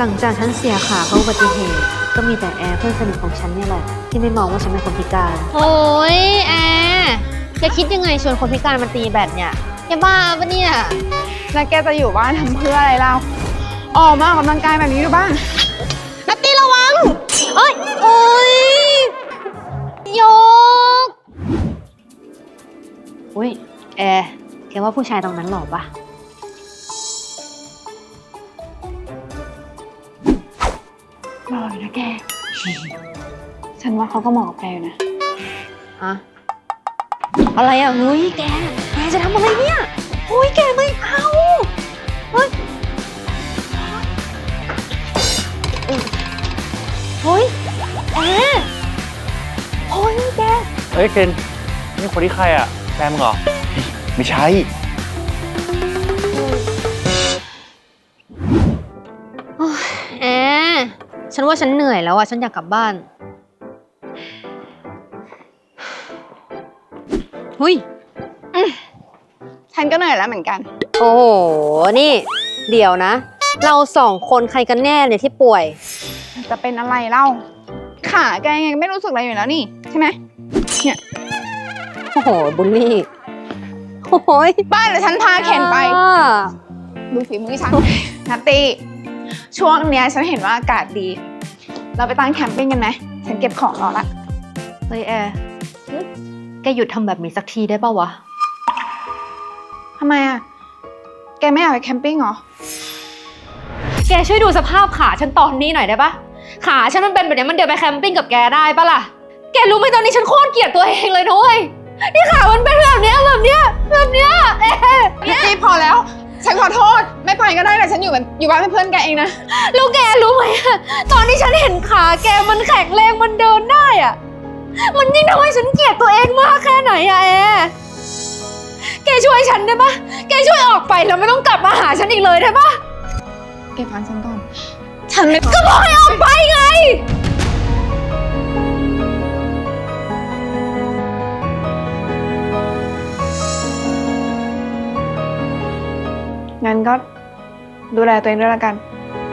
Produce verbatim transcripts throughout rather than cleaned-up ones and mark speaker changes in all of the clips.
Speaker 1: หลังจากฉันเสียขาเพราะอุบัติเหตุก็มีแต่แอร์เพื่อนสนิทของฉันเนี่ยแหละที่ไม่มองว่าฉันเป็นคนพิการโอ้ยแอร์แกคิดยังไงชวนคนพิการมาตีแบดเนี่ยแกบ้าปะเนี่ย
Speaker 2: แล้วแกจะอยู่บ้านทำเพื่ออะไรเราออกมาออกกำลังกายแบบนี้ดูบ้างนัตตี้ระวัง
Speaker 1: เอ้ยเอ้ยโยกอุ้ยแอร์แกว่าผู้ชายตรงนั้นหล่อปะ
Speaker 2: หล่ออยู่นะแก ฉันว่าเขาก็เหมาะกับแกอยู่นะ
Speaker 1: อะอะไรอ่ะเฮ้ยแกแกจะทำอะไรเนี่ยเฮ้ยแกไม่เอาเฮ้ยเฮ้ยแอร์เฮ้ยแก
Speaker 3: เฮ้ยเคนนี่คนที่ใครอ่ะแฟนมึงเหรอไม่ใช่
Speaker 1: แอร์ฉันว่าฉันเหนื่อยแล้วอ่ะฉันอยากกลับบ้านเฮ้ย
Speaker 2: ฉันก็เหนื่อยแล้วเหมือนกัน
Speaker 1: โอ้โหนี่เดี๋ยวนะเราสองคนใครกันแน่เนี่ยที่ป่วย
Speaker 2: จะเป็นอะไรเล่าขาแกยังไม่รู้สึกอะไรอยู่แล้วนี่ใช่ไหมเนี่ย
Speaker 1: โอ้โหบุลลี่โอ้ย
Speaker 2: บ้านเดี๋ยวฉันพาเข็นไปดูฝีมือฉันนัตตี้ช่วงเนี้ยฉันเห็นว่าอากาศดีเราไปตั้งแคมปิ้งกันไหมฉันเก็บของรอละ
Speaker 1: เฮ้ยแอร์แกหยุดทำแบบนี้สักทีได้ป่าววะ
Speaker 2: ทำไมอ่ะแกไม่อยากไปแคมปิ้งเหรอ
Speaker 1: แกช่วยดูสภาพขาฉันตอนนี้หน่อยได้ปะขาฉันมันเป็นแบบนี้มันเดินไปแคมปิ้งกับแกได้ปะล่ะแกรู้ไหมตอนนี้ฉันโคตรเกลียดตัวเองเลยนะเว้ยนี่ขามันเป็นแบบเนี้ยแบบเนี้ยแบบเนี้ยเอ๊ะ
Speaker 2: นี่พอแล้วฉันขอโทษไม่ไปก็ได้แต่ฉันอยู่เป็นอยู่บ้านเป็นเพื่อนแกเองนะ
Speaker 1: แล้วแกรู้ไหมตอนที่ฉันเห็นขาแกมันแข็งแรงมันเดินได้อะมันยิ่งทำให้ฉันเกลียดตัวเองมากแค่ไหนอะแอร์แกช่วยฉันได้ปะแกช่วยออกไปแล้วไม่ต้องกลับมาหาฉันอีกเลยได้ปะ
Speaker 2: แกฟังฉันก่อนฉันไม่
Speaker 1: ก็บอกให้ออกไปไง
Speaker 2: งั้นก็ดูแลตัวเองด้วยละกัน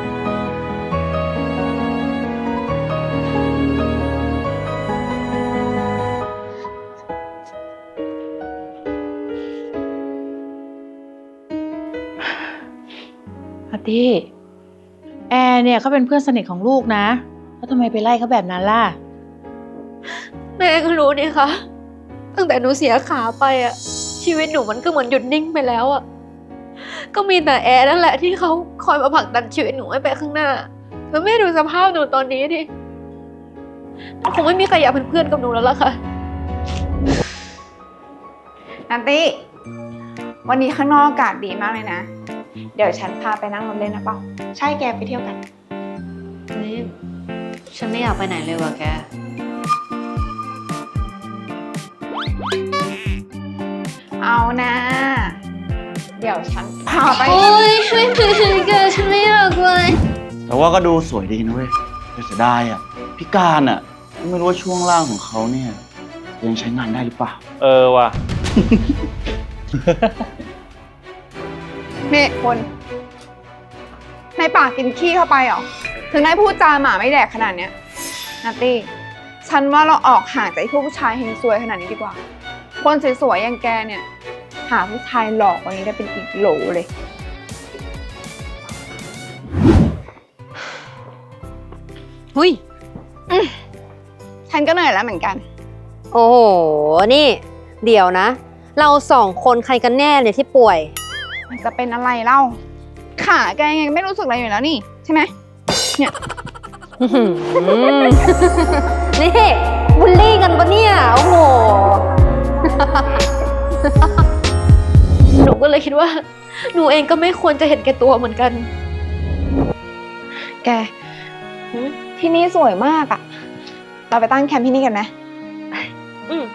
Speaker 4: อาทิแอร์เนี่ยเขาเป็นเพื่อนสนิทของลูกนะแล้วทำไมไปไล่เขาแบบนั้นล่ะ
Speaker 1: แม่ก็รู้นี่คะตั้งแต่หนูเสียขาไปอะชีวิตหนูมันก็เหมือนหยุดนิ่งไปแล้วอะก็มีแต่แอร์นั่นแหละที่เขาคอยมาผลักดันชีวิตหนูให้ไปข้างหน้าแล้วแม่ดูสภาพหนูตอนนี้ดิคงไม่มีใครอยากเป็นเพื่อนกับหนูแล้วล่ะค่ะ
Speaker 2: นันตี้วันนี้ข้างนอกอากาศดีมากเลยนะเดี๋ยวฉันพาไปนั่งรถเล่นนะเปล่าใช่แกไปเที่ยวกัน
Speaker 1: นี่ฉันไม่อยากไปไหนเลยว่ะแก
Speaker 2: เอานะเดี๋ยวฉันพาไป
Speaker 1: โอ้ยช่วยช่วยช่วยแกฉันไม่อยากไป
Speaker 3: แต่ว่าก็ดูสวยดีนะเว้ยแต่เสียดายอ่ะพิการอ่ะไม่รู้ว่าช่วงล่างของเขาเนี่ยยังใช้งานได้หรือเปล่าเออว่ะ
Speaker 2: เมฆคนในปากกินขี้เข้าไปเหรอถึงได้พูดจาหมาไม่แดกขนาดเนี้ยนัตตี้ฉันว่าเราออกห่างจากพวกผู้ชายเฮงซวยขนาดนี้ดีกว่าคนสวยๆอย่างแกเนี่ยหาผู้ชายหลอกกว่านี้ได้เป็นอีกโหลเลย
Speaker 1: หุย
Speaker 2: ฉันก็เหนื่อยแล้วเหมือนกัน
Speaker 1: โอ้โหนี่เดี๋ยวนะเราสองคนใครกันแน่เนี่ยที่ป่วย
Speaker 2: มันจะเป็นอะไรเล่าขาแกยังไม่รู้สึกอะไรอยู่แล้วนี่ใช่ไหมเนี่ย
Speaker 1: นี่บูลลี่กันปะเนี่ยโอ้โหหนูก็เลยคิดว่าหนูเองก็ไม่ควรจะเห็นแก่ตัวเหมือนกัน
Speaker 2: แกที่นี่สวยมากอะเราไปตั้งแคมป์ที่นี่กันไหม
Speaker 1: อืม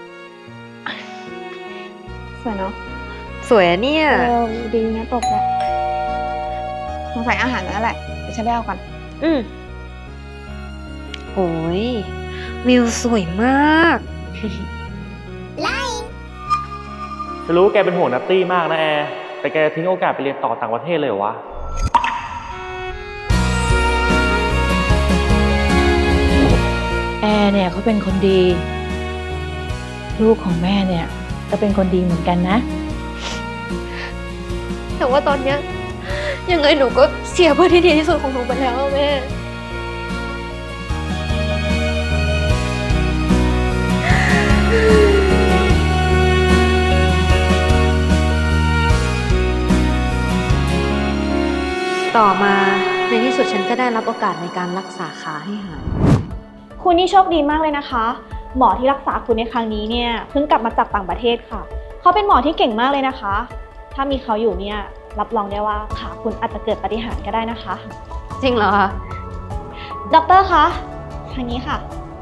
Speaker 2: สวยเนาะ
Speaker 1: สวยเนี่ย
Speaker 2: เออดีนะตกแล้วสงสัยอาหารนั่นแหละเดี๋ยวฉันไปเอาก่อน
Speaker 1: อืมโอ้ยวิวสวยมาก
Speaker 3: ไล่จะรู้ว่าแกเป็นห่วงนัตตี้มากนะแอร์แต่แกทิ้งโอกาสไปเรียนต่อต่างประเทศเลยเหรอวะ
Speaker 4: เนี่ยเขาเป็นคนดี ลูกของแม่เนี่ยก็เป็นคนดีเหมือนกันนะ
Speaker 1: แต่ว่าตอนเนี้ยยังไงหนูก็เสียเพื่อนที่ดีที่สุดของหนูไปแล้วอะแม่ ต่อมาในที่สุดฉันก็ได้รับโอกาสในการรักษาขาให้หาย
Speaker 5: คุณนี่โชคดีมากเลยนะคะ หมอที่รักษาคุณในครั้งนี้เนี่ยเพิ่งกลับมาจากต่างประเทศค่ะ เขาเป็นหมอที่เก่งมากเลยนะคะ ถ้ามีเขาอยู่เนี่ยรับรองได้ว่าขาคุณอาจจะเกิดปาฏิหาริย์ก็ได้นะคะ
Speaker 1: จริงเหรอคะ
Speaker 5: ด็อกเตอร์คะทางนี้ค่ะ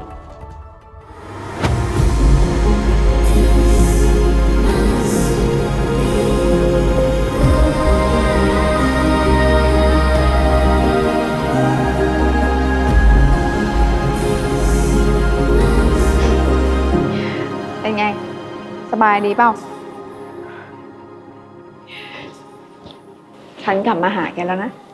Speaker 2: เป็นไง สบายดีเปล่า ฉันกลับมาหาแกแล้วนะ